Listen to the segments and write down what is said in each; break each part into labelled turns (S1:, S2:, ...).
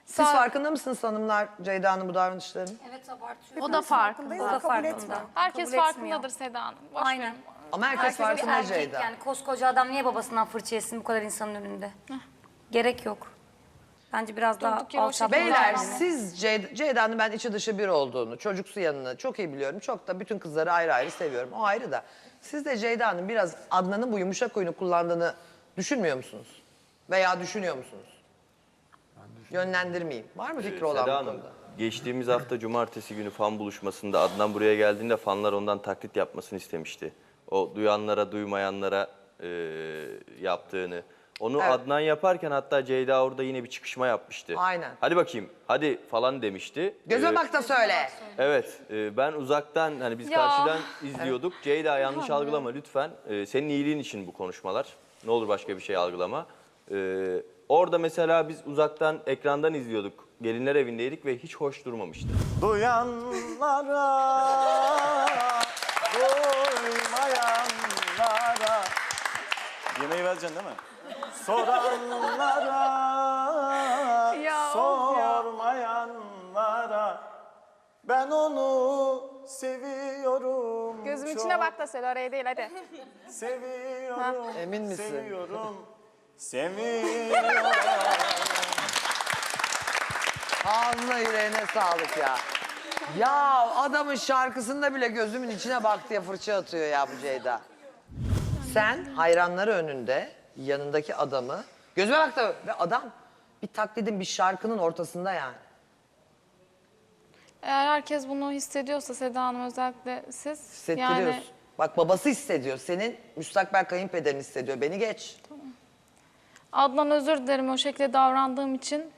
S1: Siz farkında mısınız hanımlar Ceyda'nın bu davranışlarının?
S2: Evet abartıyor.
S3: O da farkında.
S2: O da farkında.
S3: Herkes
S2: Kabul
S3: farkındadır Seda Hanım. Boş
S2: Aynen.
S3: verin.
S1: Ama herkes
S2: Herkes bir
S1: farkında
S2: erkek
S1: Ceyda.
S2: yani koskoca adam niye babasından fırça yesin bu kadar insanın önünde? Gerek yok. Bence biraz daha
S3: Durduk yere o
S2: alçaltmalı
S3: şekilde
S1: Beyler
S2: davranmalı.
S1: siz Ceyda'nın ben içi dışı bir olduğunu, çocuksu yanını çok iyi biliyorum. Çok da bütün kızları ayrı ayrı seviyorum. O ayrı da. Siz de Ceyda'nın biraz Adnan'ın bu yumuşak oyunu kullandığını düşünmüyor musunuz? Veya düşünüyor musunuz? Yönlendirmeyeyim. Var mı fikri olan
S4: Seda
S1: bu
S4: Hanım,
S1: konuda?
S4: geçtiğimiz hafta cumartesi günü fan buluşmasında Adnan buraya geldiğinde fanlar ondan taklit yapmasını istemişti. O duyanlara, duymayanlara yaptığını. Onu
S1: Evet.
S4: Adnan yaparken hatta Ceyda orada yine bir çıkışma yapmıştı.
S1: Aynen.
S4: Hadi bakayım, hadi falan demişti.
S1: Göze bak da söyle.
S4: Evet, ben uzaktan hani biz
S3: Ya.
S4: karşıdan izliyorduk. Ceyda yanlış algılama lütfen. Senin iyiliğin için bu konuşmalar. Ne olur başka bir şey algılama. Orada mesela biz uzaktan ekrandan izliyorduk. Gelinler evindeydik ve hiç hoş durmamıştı.
S5: Duyanlara, duymayanlara. Yemeği vereceksin değil mi? Soranlara,
S3: Ya, of ya.
S5: sormayanlara. Ben onu seviyorum.
S3: Gözüm
S5: çok.
S3: içine bak da söyle, oraya değil hadi.
S5: Seviyorum.
S1: Emin misin?
S5: Seviyorum. Seviyorum.
S1: Ağzına yüreğine sağlık ya. Ya adamın şarkısında bile gözümün içine bak diye fırça atıyor ya bu Ceyda. Sen hayranları önünde yanındaki adamı gözüme bak da ve adam bir taklidin bir şarkının ortasında yani.
S3: Eğer herkes bunu hissediyorsa Seda Hanım, özellikle siz.
S1: Hissettiriyorsun.
S3: Yani
S1: Bak babası hissediyor. Senin müstakbel kayınpederin hissediyor. Beni geç.
S3: Adnan, özür dilerim o şekilde davrandığım için.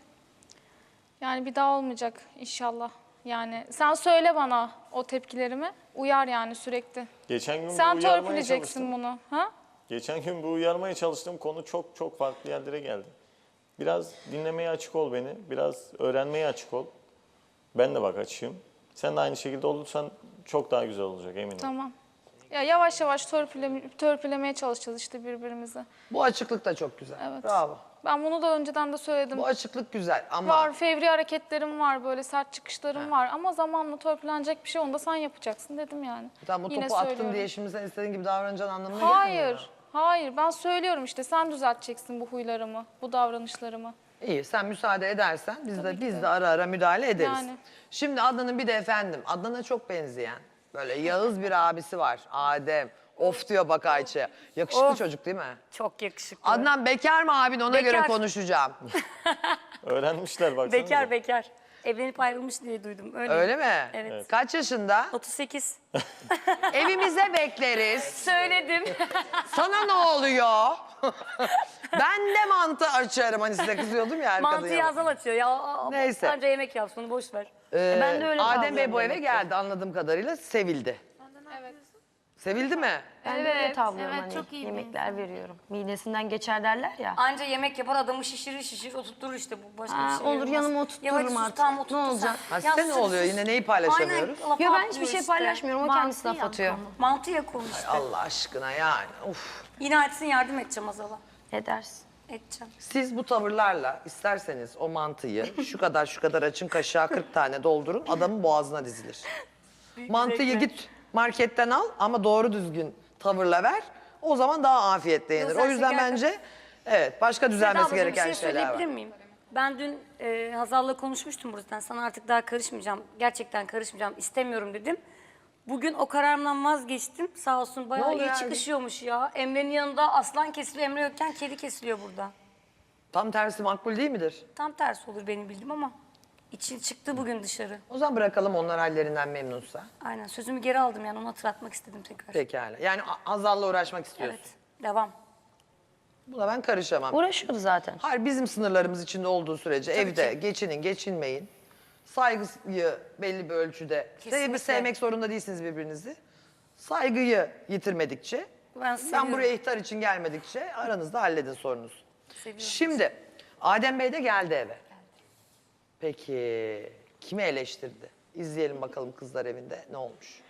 S3: Yani bir daha olmayacak inşallah. Yani sen söyle bana o tepkilerimi. Uyar yani sürekli.
S5: Geçen gün
S3: Sen
S5: bu uyarmaya
S3: törpüleyeceksin
S5: çalıştım.
S3: bunu. Ha?
S5: Geçen gün bu uyarmaya çalıştığım konu çok farklı yerlere geldi. Biraz dinlemeye açık ol beni, biraz öğrenmeye açık ol. Ben de bak açığım. Sen de aynı şekilde olursan çok daha güzel olacak eminim.
S3: Tamam. Ya yavaş yavaş törpülemeye çalışacağız işte birbirimizi.
S1: Bu açıklık da çok güzel.
S3: Evet.
S1: Bravo.
S3: Ben bunu da önceden de söyledim.
S1: Bu açıklık güzel ama
S3: Var, fevri hareketlerim var, böyle sert çıkışlarım var. Ama zamanla törpülenecek bir şey, onu da sen yapacaksın dedim yani.
S1: tam bu
S3: Yine
S1: topu attın
S3: söylüyorum.
S1: diye şimdi sen istediğin gibi davranacağın anlamına gelmiyor.
S3: Hayır, hayır. Ben söylüyorum işte, sen düzelteceksin bu huylarımı, bu davranışlarımı.
S1: İyi, sen müsaade edersen biz de ara ara müdahale ederiz.
S3: Yani.
S1: Şimdi Adnan'ın bir de efendim, Adnan'a çok benzeyen böyle Yağız bir abisi var, Adem. Of diyor bak Ayça. Yakışıklı çocuk değil mi?
S2: Çok yakışıklı.
S1: Adnan bekar mı abin, ona göre
S2: Bekar.
S1: konuşacağım.
S5: Öğrenmişler baksana.
S2: Bekar. Evlenip ayrılmış diye duydum.
S1: Öyle mi?
S2: Evet.
S1: Kaç yaşında?
S2: 38.
S1: Evimize bekleriz.
S2: Söyledim.
S1: Sana ne oluyor? Ben de mantı açarım, hani size kızıyordum ya arkada.
S2: Mantıyı Hazal açıyor. Ya,
S1: Neyse.
S2: Anca yemek yapsın, onu boş ver. Ben de öyle
S1: Adem Bey bu
S2: davranıyorum
S1: eve
S2: demek ki.
S1: geldi anladığım kadarıyla, sevildi.
S3: Evet.
S1: Sevildi mi?
S6: Ben de öyle tavlıyorum,
S2: evet,
S6: hani
S2: çok iyi bir
S6: yemekler veriyorum. Midesinden geçer derler ya.
S2: Anca yemek yapar, adamı şişirir oturtturur işte, bu başka bir şey
S6: olur,
S2: olmaz.
S6: yanıma
S2: Ya
S6: oturturum
S2: hadi sus,
S6: artık.
S2: tamam,
S6: Ne
S2: oturtur
S6: olacak?
S2: sen.
S1: Ha,
S2: Ya
S1: size ne
S2: sus,
S1: oluyor?
S2: sus.
S1: Yine neyi paylaşamıyoruz?
S2: Aynen, laf
S6: Yo, ben
S2: atlıyor
S6: hiçbir şey
S2: işte.
S6: paylaşmıyorum, o kendisi laf atıyor.
S2: Mantıya konu işte.
S1: Allah aşkına yani. Uf.
S2: Yine etsin, yardım edeceğim Hazal'a.
S6: Ne dersin?
S2: Edeceğim.
S1: Siz bu tavırlarla isterseniz o mantıyı şu kadar açın, kaşığa 40 tane doldurun, adamın boğazına dizilir. Mantıyı
S2: zevkle.
S1: git marketten al ama doğru düzgün tavırla ver. O zaman daha afiyetle yenir.
S2: Yok, sen
S1: O yüzden
S2: şeker
S1: bence evet, başka
S2: Seda
S1: düzelmesi
S2: ablacığım,
S1: gereken
S2: bir şey
S1: şeyler var.
S2: söyleyebilir miyim? Ben dün Hazal'la konuşmuştum buradan. Sana artık daha karışmayacağım. Gerçekten karışmayacağım. İstemiyorum dedim. Bugün o kararımdan vazgeçtim. Sağ olsun bayağı
S1: oldu
S2: iyi
S1: yani?
S2: çıkışıyormuş ya. Emre'nin yanında aslan kesiliyor. Emre yokken kedi kesiliyor burada.
S1: Tam tersi makbul değil midir?
S2: Tam tersi olur benim bildiğim ama için çıktı bugün dışarı.
S1: O zaman bırakalım, onlar hallerinden memnunsa.
S2: Aynen, sözümü geri aldım yani, onu hatırlatmak istedim tekrar.
S1: Pekala. Yani Hazal'la uğraşmak istiyorsun.
S2: Evet, devam.
S1: Buna ben karışamam.
S6: Uğraşıyordu zaten.
S1: Hayır, bizim sınırlarımız içinde olduğu sürece evde
S2: ki.
S1: geçinin, geçinmeyin. Saygıyı belli bir ölçüde.
S2: Kesinlikle.
S1: Sevmek zorunda değilsiniz birbirinizi. Saygıyı yitirmedikçe,
S2: Ben seviyorum.
S1: buraya ihtar için gelmedikçe aranızda halledin sorunuzu.
S2: Seviyorum.
S1: Şimdi Adem Bey de geldi eve. Peki kimi eleştirdi? İzleyelim bakalım kızlar evinde ne olmuş.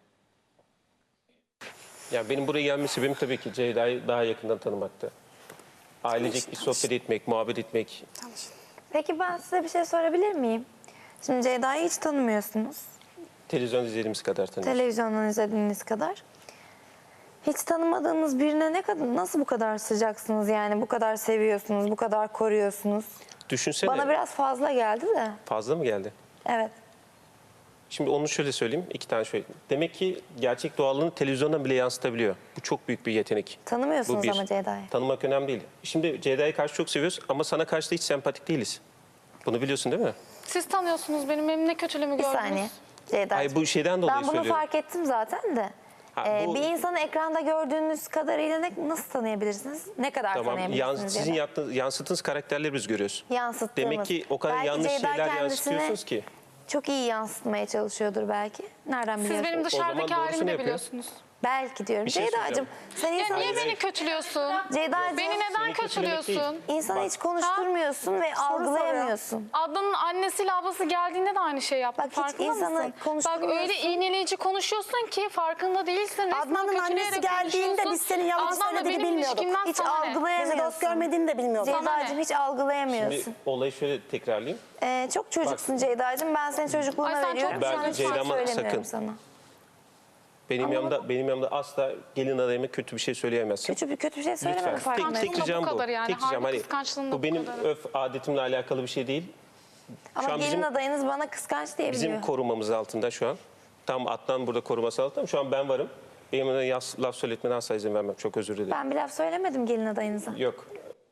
S7: Yani benim buraya gelme sebebim tabii ki Ceyda'yı daha yakından tanımaktı. Ailecek bir sohbet etmek, muhabbet etmek.
S8: Peki ben size bir şey sorabilir miyim? Şimdi Ceyda'yı hiç tanımıyorsunuz.
S7: Televizyon izlediğimiz kadar tanıyoruz.
S8: Televizyondan izlediğiniz kadar. Hiç tanımadığınız birine nasıl bu kadar sıcaksınız yani? Bu kadar seviyorsunuz, bu kadar koruyorsunuz.
S7: Düşünsene.
S8: Bana biraz fazla geldi de.
S7: Fazla mı geldi?
S8: Evet.
S7: Şimdi onu şöyle söyleyeyim. 2 tane şöyle. Demek ki gerçek doğallığını televizyondan bile yansıtabiliyor. Bu çok büyük bir yetenek.
S8: Tanımıyorsunuz
S7: Bu bir.
S8: ama Ceyda'yı.
S7: Tanımak önemli değil. Şimdi Ceyda'yı karşı çok seviyoruz ama sana karşı da hiç sempatik değiliz. Bunu biliyorsun değil mi?
S3: Siz tanıyorsunuz benim ne kötülüğümü
S8: Bir
S3: gördünüz.
S8: saniye Ceyda'cığım.
S7: Hayır, bu şeyden dolayı
S8: Ben bunu
S7: söylüyorum.
S8: fark ettim zaten de.
S7: Ha, bu-
S8: Bir insanı ekranda gördüğünüz kadarıyla nasıl tanıyabilirsiniz? Ne kadar
S7: Tamam.
S8: tanıyabilirsiniz?
S7: Sizin
S8: ya da?
S7: yansıttığınız karakterleri biz görüyoruz.
S8: Yansıttığımız.
S7: Demek ki o kadar
S8: Belki
S7: yanlış
S8: Ceyda
S7: şeyler
S8: kendisini
S7: yansıtıyorsunuz ki.
S8: çok iyi yansıtmaya çalışıyordur belki. Nereden
S3: Siz
S8: biliyorsunuz?
S3: benim dışarıdaki
S7: doğrusunu
S3: halimi de
S7: yapıyor.
S3: biliyorsunuz.
S8: Belki diyorum.
S7: Bir şey
S8: Ceyda'cığım
S7: söyleyeceğim.
S8: sen
S3: Ya
S8: insanı,
S3: niye beni kötülüyorsun?
S8: Ceyda'cığım,
S3: Beni neden
S7: Seni kötülemek
S3: kötülüyorsun?
S8: insanı hiç konuşturmuyorsun ve algılayamıyorsun.
S3: Adnan'ın annesiyle ablası geldiğinde de aynı şey yaptın.
S8: Bak hiç
S3: Farkında
S8: insanı
S3: mısın? Bak
S8: konuşturmuyorsun.
S3: öyle iğneleyici konuşuyorsun ki farkında değilsin. Resmen
S9: Adnan'ın annesi
S3: kötüleyerek
S9: geldiğinde
S3: konuşuyorsun.
S9: biz senin yalan
S3: Adnan'la
S9: söylediğini
S3: benim
S9: bilmiyorduk.
S3: ilişkimden
S8: Hiç
S3: sana ne?
S9: Bizi
S8: algılayamıyorsun.
S9: dost görmediğini de bilmiyorduk.
S8: Ceyda'cığım hiç algılayamıyorsun.
S7: Şimdi olayı şöyle tekrarlayayım.
S8: Çok çocuksun Ceyda'cığım. Ben senin çocukluğuna
S3: Ay sen çok
S8: veriyorum.
S7: Ben
S8: Şu an hiç
S7: Ceyda'ma
S8: söylemiyorum
S7: sakın.
S8: sana.
S7: Benim yanımda asla gelin adayıma kötü bir şey söyleyemezsin.
S8: Kötü bir şey söylemedim
S7: Lütfen.
S8: farkındayım.
S7: Tek ricam
S3: bu kadar
S7: bu.
S3: yani.
S7: Tek ricam
S3: Harbi kıskançlığın da
S7: bu
S3: bu
S7: benim
S3: kadar.
S7: öf adetimle alakalı bir şey değil.
S8: Ama
S7: an
S8: gelin
S7: bizim-
S8: adayınız bana kıskanç diye
S7: Bizim
S8: biliyor.
S7: korumamız altında şu an. Tam Adnan burada koruması altında ama şu an ben varım. Benim de laf söyletmene asla izin vermem. Çok özür dilerim.
S8: Ben bir laf söylemedim gelin adayınıza.
S7: Yok.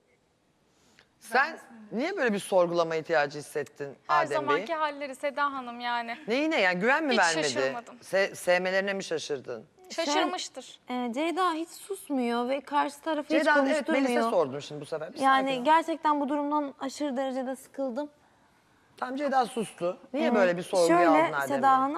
S1: Sen niye böyle bir sorgulama ihtiyacı hissettin
S3: Her
S1: Adem Bey?
S3: zamanki halleri Seda Hanım yani.
S1: Neyine yani güven mi
S3: Hiç
S1: vermedi?
S3: şaşırmadım.
S1: Sevmelerine mi şaşırdın?
S3: Şaşırmıştır.
S6: Ceyda hiç susmuyor ve karşı tarafı hiç
S1: Ceyda evet
S6: konuşturmuyor.
S1: Melis'e sordum şimdi bu sefer. Bir sakin
S6: Yani
S1: ol.
S6: gerçekten bu durumdan aşırı derecede sıkıldım.
S1: Tam Ceyda sustu. Niye böyle bir sorguya aldın
S6: Şöyle
S1: Adem
S6: Seda
S1: Bey?
S6: Hanım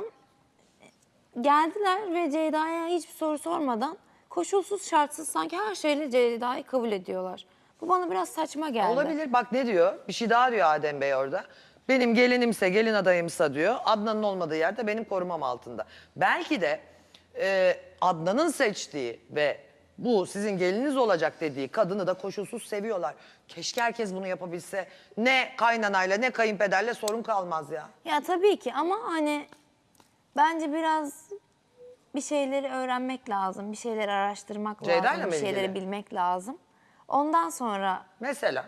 S6: geldiler ve Ceyda'ya hiçbir soru sormadan koşulsuz şartsız sanki her şeyle Ceyda'yı kabul ediyorlar. Bu bana biraz saçma geldi.
S1: Olabilir. Bak ne diyor? Bir şey daha diyor Adem Bey orada. Benim gelinimse, gelin adayımsa diyor. Adnan'ın olmadığı yerde benim korumam altında. Belki de Adnan'ın seçtiği ve bu sizin geliniz olacak dediği kadını da koşulsuz seviyorlar. Keşke herkes bunu yapabilse. Ne kaynanayla ne kayınpederle sorun kalmaz ya.
S6: Ya tabii ki ama hani bence biraz bir şeyleri öğrenmek lazım. Bir şeyleri araştırmak
S1: Ceyda'yla
S6: lazım.
S1: mı
S6: Bir şeyleri
S1: ilgili?
S6: bilmek lazım. Ondan sonra
S1: Mesela.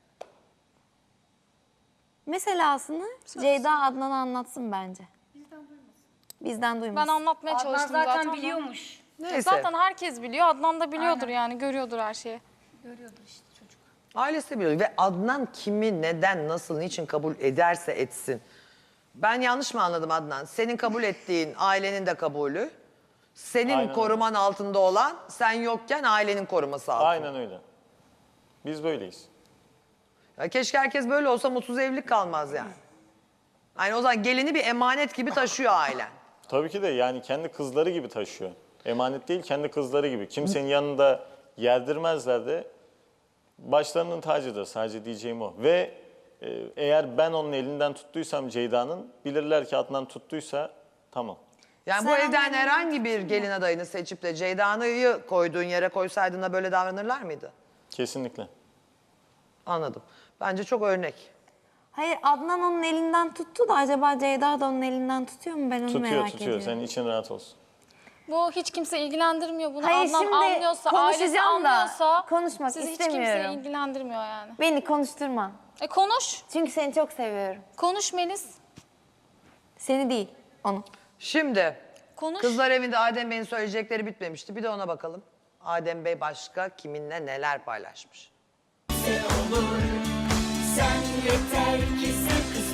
S6: meselasını Ceyda Adnan'a anlatsın bence. Bizden
S3: Ben
S6: duymasın.
S3: anlatmaya
S2: Adnan
S3: çalıştım
S2: zaten
S3: zaten.
S2: biliyormuş.
S1: Neyse.
S3: Zaten herkes biliyor. Adnan da biliyordur yani. Görüyordur her şeyi.
S1: Ailesi de biliyor ve Adnan kimi, neden, nasıl, niçin kabul ederse etsin. Ben yanlış mı anladım Adnan? Senin kabul ettiğin ailenin de kabulü. Senin
S5: Aynen öyle.
S1: koruman altında olan sen yokken ailenin koruması altında.
S5: Aynen öyle. Biz böyleyiz.
S1: Ya keşke herkes böyle olsa mutsuz evlilik kalmaz yani. Yani o zaman gelini bir emanet gibi taşıyor ailen.
S5: Tabii ki de yani kendi kızları gibi taşıyor. Emanet değil, kendi kızları gibi. Kimsenin yanında yerdirmezler de başlarının tacıdır, sadece diyeceğim o. Ve eğer ben onun elinden tuttuysam Ceyda'nın, bilirler ki Adnan tuttuysa tamam.
S1: Yani bu evden herhangi bir gelin adayını seçip de Ceyda'yı koyduğun yere koysaydın da böyle davranırlar mıydı?
S5: Kesinlikle.
S1: Anladım. Bence çok örnek.
S6: Hayır Adnan onun elinden tuttu da acaba Ceyda da onun elinden tutuyor mu ben onu
S5: Tutuyor,
S6: merak
S5: tutuyor.
S6: ediyorum.
S5: Senin için rahat olsun.
S3: Bu hiç kimse ilgilendirmiyor bunu.
S6: Hayır,
S3: Adnan
S6: şimdi
S3: anlıyorsa, ailesi
S6: konuşacağım da
S3: anlıyorsa
S6: konuşmak
S3: sizi hiç
S6: istemiyorum.
S3: kimse ilgilendirmiyor yani.
S6: Beni konuşturma.
S3: Konuş.
S6: Çünkü seni çok seviyorum.
S3: Konuş Melis.
S6: Seni değil, onu.
S1: Şimdi
S3: Konuş.
S1: kızlar evinde Adem Bey'in söyleyecekleri bitmemişti. Bir de ona bakalım. Adem Bey başka kiminle neler paylaşmış?
S10: Sen yeter ki sen kısmet.